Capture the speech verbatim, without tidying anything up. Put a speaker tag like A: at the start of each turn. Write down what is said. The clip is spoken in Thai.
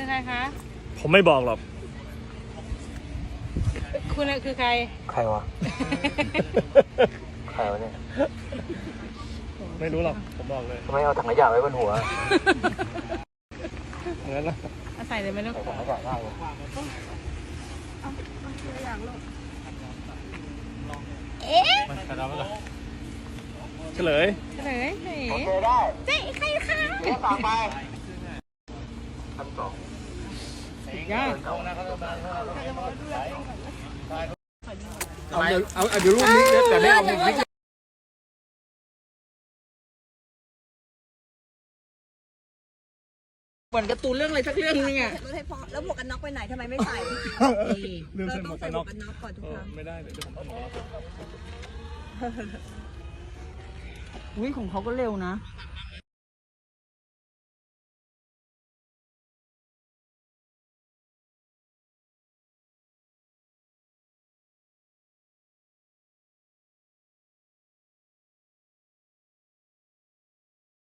A: คือใครคะ
B: ผมไม่บอกหรอก
A: คุณคือใคร
C: ใครวะ ใครวะเนี่ย
B: ไม่รู้หรอกผมบอกเลย
C: ทำไมเอาถังขยะไว้บนหัว
B: เหมือนนะ
A: เอาใส่เลยไหมลูก
C: ใส่ถังขยะได้เลย
A: เอ๊ะ
B: เฉลย
A: เฉลยเฮ้ย
C: โอเคได้
A: เจ๊ใครคะ
C: เดี๋ยวสั่งไปขั้นสอง
A: ยอด
D: เอาเดี๋ยวเอาเดี๋ยวรูปนี้แต่ไม่เอาไม่
A: เหมือนการ์ตูนเรื่องอะไรสักเรื่องนึงอ่ะ
E: รถให้พอแล้วหมวกกันน็อกไปไหนทำไมไม่ใส่
B: ลืม
E: เรา
B: ใส่หม
E: ต้อ
B: ว
E: ง
B: ก
E: ใส่
B: กัน
E: หม
B: น็
E: ว
B: อก
E: กกันน็อกก่อนทุก
B: เอ
E: ค
B: อ
E: รั้ง
B: ไม่ได้เดี๋ยวผมใส่หมวกกันน็อก
A: อุ้ยของเขาก็เร็วนะ
B: เ